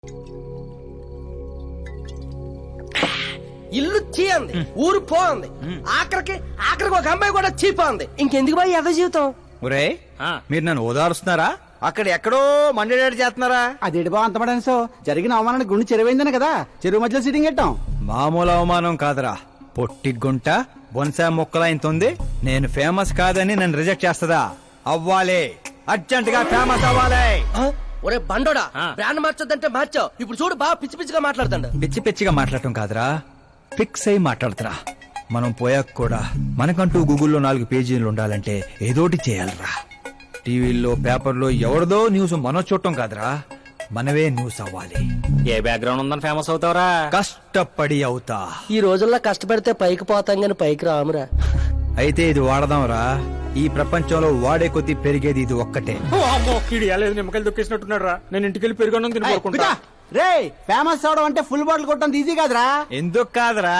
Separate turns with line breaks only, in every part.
ఇల్లు చీ అంది, ఊరు పో అంది, ఆఖరికి ఒక అమ్మాయి కూడా చీపా అంది. ఇంకెందుకు బాయ్ ఎద జీవితం?
ఒరే మీరు నన్ను ఓదారుస్తున్నారా, అక్కడ ఎక్కడో మండేడాడు చేస్తున్నారా?
అదేటి బా అంత పడాను. సో జరిగిన అవమానానికి గుండె చెరువైందనే కదా చెరువు మధ్యలో సిట్టింగ్ పెట్టాం.
మామూలు అవమానం కాదురా, పొట్టి గుంట బొన్సా మొక్కలైంతుంది. నేను ఫేమస్ కాదని నన్ను రిజెక్ట్ చేస్తదా? అవ్వాలి, అర్జెంట్ గా ఫేమస్ అవ్వాలి.
ఒరే బండోడా, బ్రాండ్ మార్చొద్దంటే మార్చావు. ఇప్పుడు చూడు బాగా పిచ్చి పిచ్చిగా మాట్లాడుతాడు.
పిచ్చి పిచ్చిగా మాట్లాడటం కాదురా, ఫిక్స్ అయి మాట్లాడుతురా. మనం పోయాక కూడా మనకంటూ గూగుల్లో 4 పేజీలు ఉండాలంటే ఏదోటి చేయాలరా. టీవీల్లో పేపర్లో ఎవరిదో న్యూస్ మనం చూడటం కాదురా, మనవే న్యూస్ అవ్వాలి.
ఏ బ్యాక్గ్రౌండ్ ఉందని ఫేమస్ అవుతావురా?
కష్టపడి అవుతా.
ఈ రోజుల్లో కష్టపడితే పైకి పోతాం గాని పైకి రామురా.
అయితే ఇది వాడదాంరా. ఈ ప్రపంచంలో వాడే కొద్దీ పెరిగేది ఇది ఒక్కటే.
నిమ్మకాయలు దొక్కేసినట్టున్నాడు రా. నేను ఇంటికి వెళ్ళి పెరుగొన్నం తిని కోరుకుంటా.
రే ఫేమస్ అవడం అంటే ఫుల్ బాటిల్ కొట్టడం ఈజీ కాదురా.
ఎందుకు కాదురా,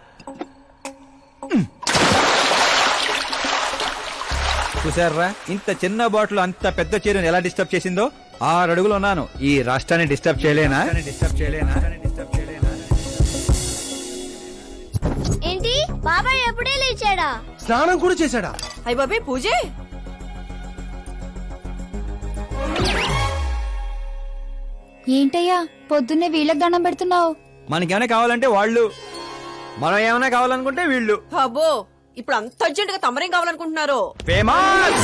చూసారా ఇంత చిన్న బాటిల్ అంత పెద్ద చీరను ఎలా డిస్టర్బ్ చేసిందో. 6 అడుగులు ఉన్నాను, ఈ రాష్ట్రాన్ని డిస్టర్బ్ చేయలేనా?
ఏంటి బాబాయ్ ఎప్పుడే లేచాడా?
స్నానం కూడా చేశాడా?
అయ్య బాబాయ్ పూజే.
ఏంటయ్యా పొద్దున్నే వీళ్ళకి దండం పెడుతున్నావు?
మనకేమైనా కావాలంటే వాళ్ళు, మనం ఏమైనా కావాలనుకుంటే వీళ్ళు.
అబ్బో ఇప్పుడు అంత అర్జెంట్ గా తమరేం కావాలనుకుంటున్నారు?
ఫేమస్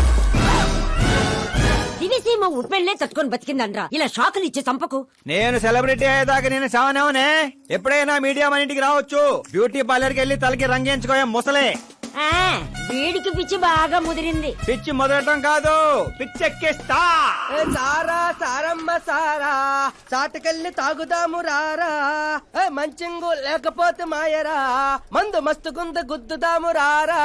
దివిసీమ ఉప్పెళ్లే తట్టుకొని బతికిందనరా. ఇలా షాకులు ఇచ్చే చంపకు.
నేను సెలబ్రిటీ అయ్యేదాకా నేను సావనవనే. ఎప్పుడైనా మీడియా మన ఇంటికి రావచ్చు. బ్యూటీ పార్లర్ కి వెళ్ళి తలకి రంగేయించుకోయా ముసలే.
ఆ వేడికి పిచ్చి బాగా ముదిరింది.
పిచ్చి మొదలటం కాదు, పిచ్చెక్కిస్తా.
ఏ సారా సారమ్మ సారా, చాటకెళ్ళి తాగుదాము రారా. ఏ మంచింగు లేకపోతే మాయరా, మందు మస్తు గుంద గుద్దుదాము రారా.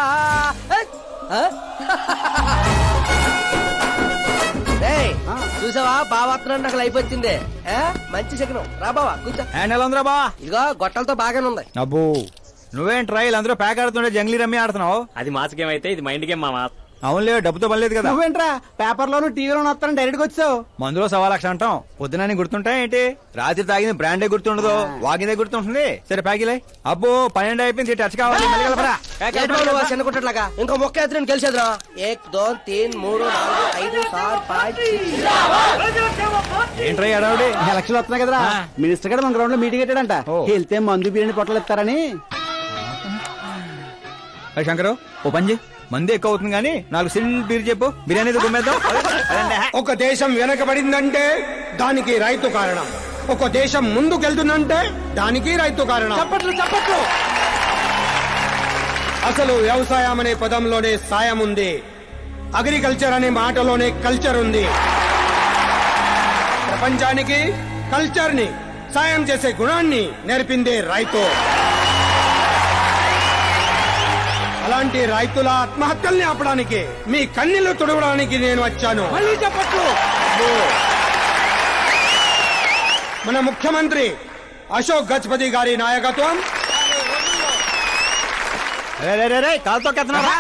చూసావా బావాత్రం నాకు అయిపోతుంది. మంచి శకనం. రా బావా కూర్చో.
హ్యాండ్ ఎలా ఉందిరా బా?
ఇదిగో గొట్టలతో బాగానే ఉంది.
అబ్బో నువ్వేం ట్రైల్ అందరూ ప్యాక్ ఆడుతుండే జంగ్లీ రమ్మి ఆడుతున్నావు.
అది మాస్ గేమ్ అయితే ఇది మైండ్ గేమ్ మామా.
అవునులే, డబ్బుతో పనిలేదు కదా.
నువ్వేంట్రా పేపర్ లోను టీవీలోను వస్తాను డైరెక్ట్ గా వచ్చావు.
మందులో 1,00,000 అంటాం, పొద్దునని గుర్తుంటాయి ఏంటి? రాత్రి తాగింది బ్రాండే గుర్తుండదు, వాగిందే గుర్తుంటుంది. సరే ప్యాకిలే. అబ్బో 12 అయిపోయింది, టచ్ కావాలి.
చిన్న కుట్టట్లాగా ఇంకో మొక్క ఎత్తుని గెలిచేద్రా. 1 2 3 4 5 6 5
ఏంట్రై అడవుడి?
ఎలక్షన్ వస్తున్నాయి కదరా, మినిస్టర్ గారు మన గ్రౌండ్ లో మీటింగ్ పెట్టాడంట. వెళ్తే మందు బిర్యానీ పొట్టలు ఇస్తారని.
శంకరు ఓ పంజి, మంది ఎక్కువ అవుతుంది కానీ 4 సిల్ బీర్ చెప్పు, బిర్యానీ గుమ్మేద్దాం.
ఒక దేశం వెనకబడిందంటే దానికి రైతు కారణం. ఒక దేశం ముందుకెళ్తుందంటే దానికి రైతు కారణం.
చప్పట్లు చప్పట్లు.
అసలు వ్యవసాయం అనే పదంలోనే సాయం ఉంది, అగ్రికల్చర్ అనే మాటలోనే కల్చర్ ఉంది. ప్రపంచానికి కల్చర్ ని, సాయం చేసే గుణాన్ని నేర్పిందే రైతు. అలాంటి రైతుల ఆత్మహత్యల్ని ఆపడానికి, మీ కన్నీళ్లు తుడవడానికి నేను వచ్చాను.
మళ్ళీ చప్పట్లు.
మన ముఖ్యమంత్రి అశోక్ గజపతి గారి నాయకత్వం.
కాలుతో కెత్తనారా?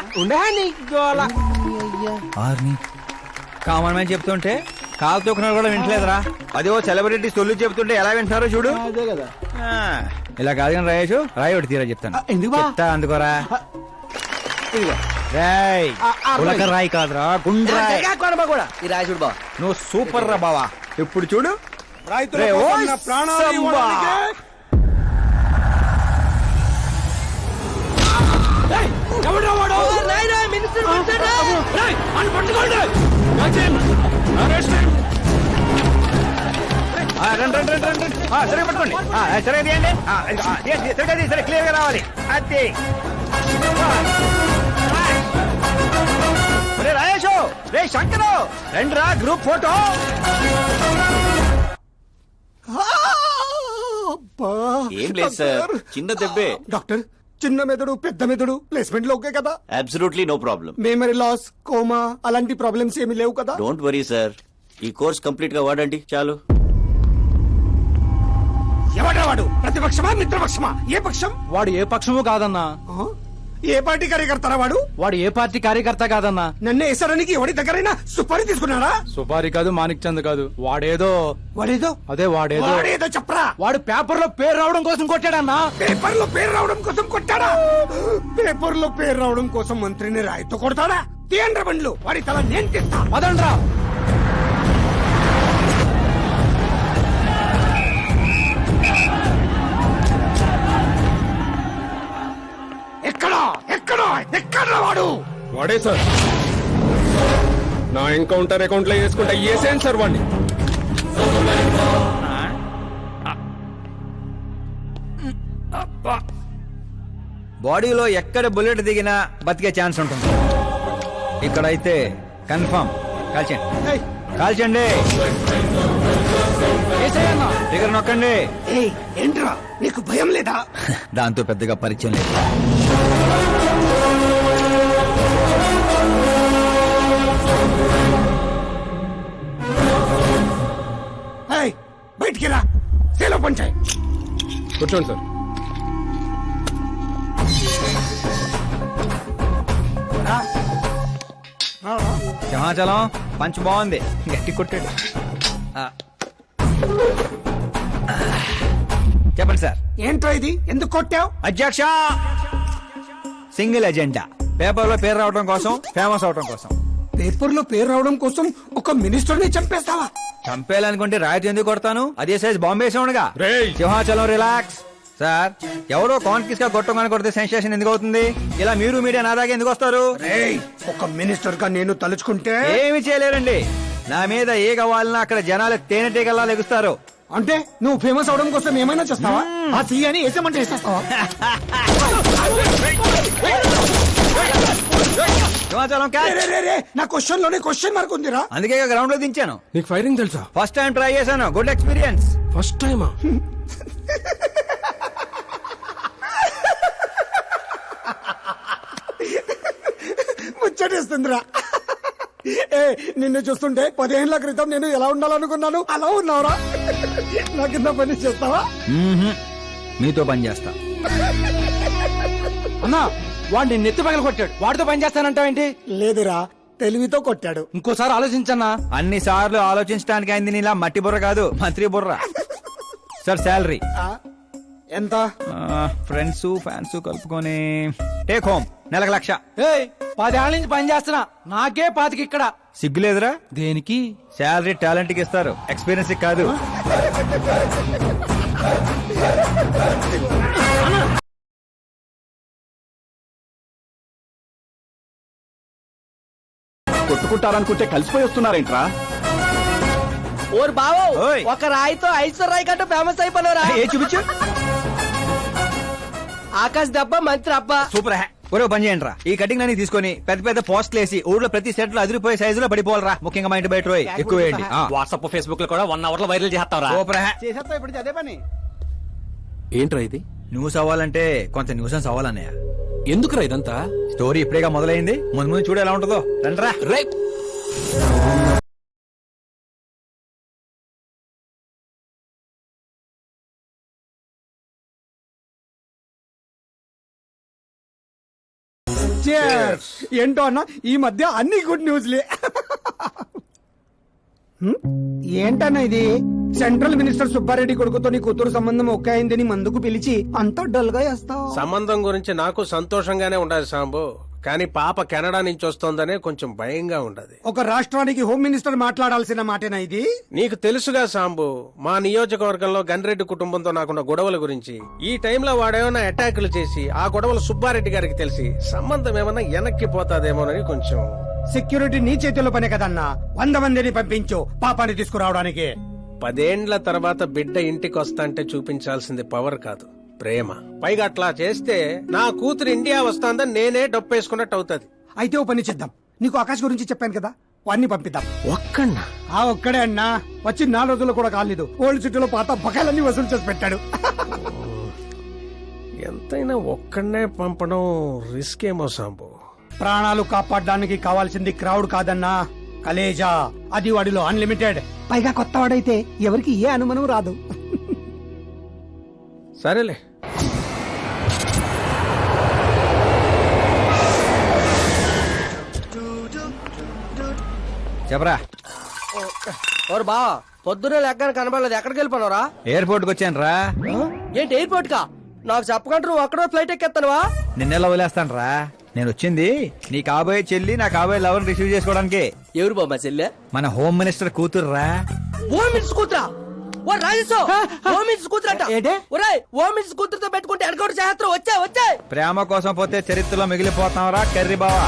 కామన్ మ్యాన్ చెప్తుంటే కాలు తొక్కున్నారు కూడా వింటలేదురా. అదే ఓ సెలబ్రిటీ సొల్లు చెప్తుంటే ఎలా వింటున్నారో చూడు.
అదే కదా.
ఇలా కాదు కానీ రాయేషు, రాయి ఒకటి తీరా చెప్తాను.
ఎందుకు బా?
చెప్తా అందుకోరా. రాయ్ ఉలక రాయి కాదురా, గుండ్రాయ్.
కూడా ఈ రాజుడు బా.
నువ్వు సూపర్ రా బావా. ఇప్పుడు చూడు,
రైతుల కోసం నా ప్రాణాలు ఇవ్వడానికే.
సరే పట్టుకోండి, సరే తీయండి. సరే క్లియర్ గా రావాలి. అది రాయేషు, రే శంకరు, రండిరా గ్రూప్ ఫోటో.
ఏం లేదు సార్, చిన్న దెబ్బే.
డాక్టర్, చిన్న మెదడు పెద్ద మెదడు ప్లేస్మెంట్ లో ఓకే కదా?
Absolutely no problem.
Memory loss, coma అలాంటి ప్రాబ్లమ్స్ ఏమీ లేవు కదా?
డోంట్ వరీ సార్, ఈ కోర్స్ కంప్లీట్ గా వాడండి చాలు.
ఎవడా వాడు? ప్రతిపక్షమా మిత్రపక్షమా? ఏ పక్షం?
వాడు ఏ పక్షము కాదన్నా.
ఏ పార్టీ కార్యకర్తారా వాడు?
వాడు ఏ పార్టీ కార్యకర్త కాదన్నా.
నన్ను వేసడానికి ఎవరి దగ్గరైనా సుపారీ తీసుకున్నాడా?
సుపారి కాదు, మాణిక్ చంద్ కాదు. వాడేదో
వాడేదో చెప్పరా.
వాడు పేపర్ లో పేరు రావడం కోసం కొట్టాడన్నా.
పేపర్ లో పేరు రావడం కోసం కొట్టాడా? పేపర్ లో పేరు రావడం కోసం మంత్రిని రాయితో కొడతాడా? తీయండ్ర బండ్లు, వాడి తల నేను తీస్తా.
పదండ్రా.
ఎక్కడా వాడు?
వాడే సార్. నా ఎన్కౌంటర్ అకౌంట్ లో వేసుకుంటా ఏసేయండి సార్ వాడిని.
బాడీలో ఎక్కడ బుల్లెట్ దిగినా బతికే ఛాన్స్ ఉంటుంది. ఇక్కడైతే కన్ఫర్మ్. కాల్చండి, కాల్చండి. దగ్గర నొక్కండి.
ఏంట్రా నీకు భయం లేదా?
దాంతో పెద్దగా పరిచయం లేదు.
బయటికి రా, సేలో పంచాయి.
కూర్చోండి సార్.
సింహాచలం పంచ్ బాగుంది, గట్టి కొట్టాడు. చెప్పండి సార్.
ఏంట్రా ఇది? ఎందుకు కొట్టావు?
అధ్యక్ష, సింగిల్ ఎజెండా. పేపర్ లో పేరు రావడం కోసం, ఫేమస్ అవడం కోసం.
పేపర్ లో పేరు రావడం కోసం ఒక మినిస్టర్ ని చంపేస్తావా?
చంపేయాలనుకుంటే రాయితీ ఎందుకు కొడతాను? అదే సైజ్ బాంబే సౌండ్గా.
రేయ్.
సింహాచలం రిలాక్స్. సార్, ఎవరో కాన్ఫిస్ గా కొట్టగానే కొడితే సెన్సేషన్ ఎందుకు అవుతుంది? ఇలా మీరు మీడియా నా దాకా ఎందుకు వస్తారు?
ఒక మినిస్టర్ గా నేను తలుచుకుంటే
ఏమి చేయలేరండి. నా మీద ఏ కావాలన్నా అక్కడ జనాలు తేనెటీగల్లా లెగుస్తారు.
అంటే నువ్వు ఫేమస్ అవడం కోసం ఏమైనా చేస్తావా? ఆ సీఎని వేసేమంటే వేసేస్తావా?
సింహాచలం క్యాచ్.
నా క్వశ్చన్ లోనే క్వశ్చన్ మార్క్ ఉందిరా.
అందుకే గ్రౌండ్ లో దించాను.
నీకు ఫైరింగ్ తెలుసా?
ఫస్ట్ టైం ట్రై చేశాను, గుడ్ ఎక్స్పీరియన్స్.
ఫస్ట్ టైమా?
ముచ్చటేస్తుందిరా. నిన్ను చూస్తుంటే 15 ఏళ్ల క్రితం నేను ఎలా ఉండాలనుకున్నాను అలా ఉన్నావురా. నా కింద పని చేస్తావా?
మీతో పని చేస్తా.
అన్నా, వాడిని నెత్తి పగల కొట్టాడు. వాడితో పని చేస్తానంటావేంటి?
లేదురా, తెలివితో కొట్టాడు.
ఇంకోసారి ఆలోచించన్నా.
అన్ని సార్లు ఆలోచించడానికి అయింది నీలా మట్టి బుర్ర కాదు, మంత్రి బుర్ర. సార్ శాలరీ
ఎంత?
ఫ్రెండ్స్ ఫ్యాన్స్ కలుపుకొని టేక్ హోమ్ నెలకు 1,00,000.
10 ఏళ్ల నుంచి పని చేస్తున్నా, నాకే 25 ఇక్కడ.
సిగ్గులేదురా?
దేనికి?
శాలరీ టాలెంట్ కి ఇస్తారు, ఎక్స్పీరియన్స్ కాదు.
కొట్టుకుంటారనుకుంటే కలిసిపోయి వస్తున్నారేంట్రా?
ఓరు బావో,
ఓయ్.
ఒక రాయితో ఐశ్వర్ రాయ్ కంటూ ఫేమస్ అయిపోయినరా?
ఏ చూపించు.
ఆకాశ్ దెబ్బ మంత్రి అబ్బా.
సూపర్ హ్యా. ఒరే పని చేయండి రా, ఈ కటింగ్ అన్ని తీసుకొని పెద్ద పెద్ద పోస్టులు వేసి ఊర్లో ప్రతి సెట్ లో అదిరిపోయే సైజులో పడిపోవాలరా. ముఖ్యంగా మా ఇంటి బయట రోయ్ ఎక్కువ వేయండి.
వాట్సాప్ ఫేస్బుక్ లో కూడా 1 అవర్ లో వైరల్ చేస్తావరా?
సూపర్ హ్యా.
చేసేస్తా ఇప్పుడు అదే పని.
ఏంట్రా ఇది?
న్యూస్ అవ్వాలంటే కొంత న్యూసెన్స్ అవ్వాలన్నయ్య.
ఎందుకురా ఇదంతా?
స్టోరీ ఇప్పుడేగా మొదలైంది, ముందు ముందు చూడు ఎలా ఉంటుందో. రండ్రా.
రే,
ఏంటో అన్న, ఈ మధ్య అన్ని గుడ్ న్యూస్లే. ఏంటన్నా ఇది? సెంట్రల్ మినిస్టర్ సుబ్బారెడ్డి కొడుకుతో నీ కూతురు సంబంధం ఒకే అయిందని మందుకు పిలిచి అంతా డల్ గా వేస్తావు.
సంబంధం గురించి నాకు సంతోషంగానే ఉండదు సాంబు, కానీ పాప కెనడా నుంచి వస్తోందనే కొంచెం భయంగా ఉండదు.
ఒక రాష్ట్రానికి హోమ్ మినిస్టర్ మాట్లాడాల్సిన మాటేనా ఇది?
నీకు తెలుసుగా సాంబు, మా నియోజకవర్గంలో గన్రెడ్డి కుటుంబంతో నాకున్న గొడవల గురించి. ఈ టైంలో వాడేమన్నా అటాకులు చేసి ఆ గొడవలు సుబ్బారెడ్డి గారికి తెలిసి సంబంధం ఏమన్నా వెనక్కి పోతాదేమోనని కొంచెం.
సెక్యూరిటీ నీ చేతిలో పనే కదన్నా. 100 మందిని పంపించు పాపాన్ని తీసుకురావడానికి.
10 ఏండ్ల తర్వాత బిడ్డ ఇంటికి వస్తాంటే చూపించాల్సింది పవర్ కాదు, ప్రేమ. పైగా అట్లా చేస్తే నా కూతురు ఇండియా వస్తాందని నేనే డప్పేసుకున్నట్టు అవుతుంది.
అయితే ఓ పని చేద్దాం, నీకు ఆకాశ్ గురించి చెప్పాను కదా, వాడిని పంపిద్దాం.
ఒక్కన్నా?
ఆ ఒక్కడే అన్నా, వచ్చి 4 రోజులు కూడా కాలేదు. ఓల్డ్ సిటీలో పాత బకాయిలన్నీ వసూలు చేసి పెట్టాడు.
ఎంతైనా ఒక్కడనే పంపడం రిస్క్ ఏమో సాంబు.
ప్రాణాలు కాపాడడానికి కావాల్సింది క్రౌడ్ కాదన్నా, కలేజా. అది వాడిలో అన్లిమిటెడ్. పైగా కొత్త వాడైతే ఎవరికి ఏ అనుమానం రాదు.
సరేలే.
చెప్పరా.
ఓరు బా పొద్దునే లెక్కన కనబడలేదు, ఎక్కడికి వెళ్ళిపోనరా?
ఎయిర్పోర్ట్ కి వచ్చాను రా.
ఏంటి ఎయిర్పోర్ట్ కా? నాకు చెప్పకుండా నువ్వు అక్కడో ఫ్లైట్ ఎక్కేస్తానువా?
నిన్నెలా వదిలేస్తాను రా. నేను వచ్చింది నీ కాబోయే చెల్లి నా కాబోయే లవర్ రిసీవ్ చేసుకోవడానికి.
ఎవరు బాబా చెల్లె?
మన హోమ్ మినిస్టర్ కూతురు రా.
ఓ మినిట్స్ కూతురా? ఓ రాజేశో ఓ మినిట్స్ కూతురట.
ఏంటి?
ఒరేయ్ ఓ మినిట్స్ కూతురుతో పెట్టుకుంటే ఎడగొట్టు చేస్తారు. వచ్చే
ప్రేమ కోసం పోతే చరిత్రలో మిగిలిపోతాం రా కర్రీ బావా.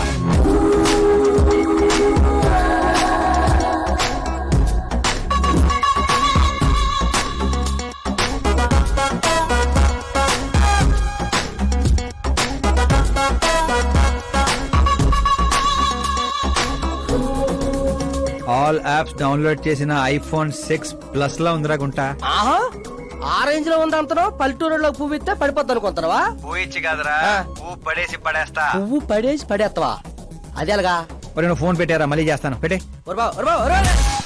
ఆల్ యాప్స్ డౌన్లోడ్ చేసిన ఐఫోన్ 6 ప్లస్ లా ఉందిరా గుంటా.
ఆహా ఆ రేంజ్ లో ఉంది అంతనో. పల్లెటూరులో పువ్వు ఇస్తే పడిపోద్ది అనుకుంటున్నావా?
పోయిచ్చి కాదురా, పువ్వు పడేసి పడేస్తా.
పువ్వు పడేసి పడేస్తావా? అది ఎలాగా?
మరి నువ్వు ఫోన్ పెట్టారా, మళ్ళీ చేస్తాను. పెట్టే.
ఒరే బా, ఒరే బా, ఒరే.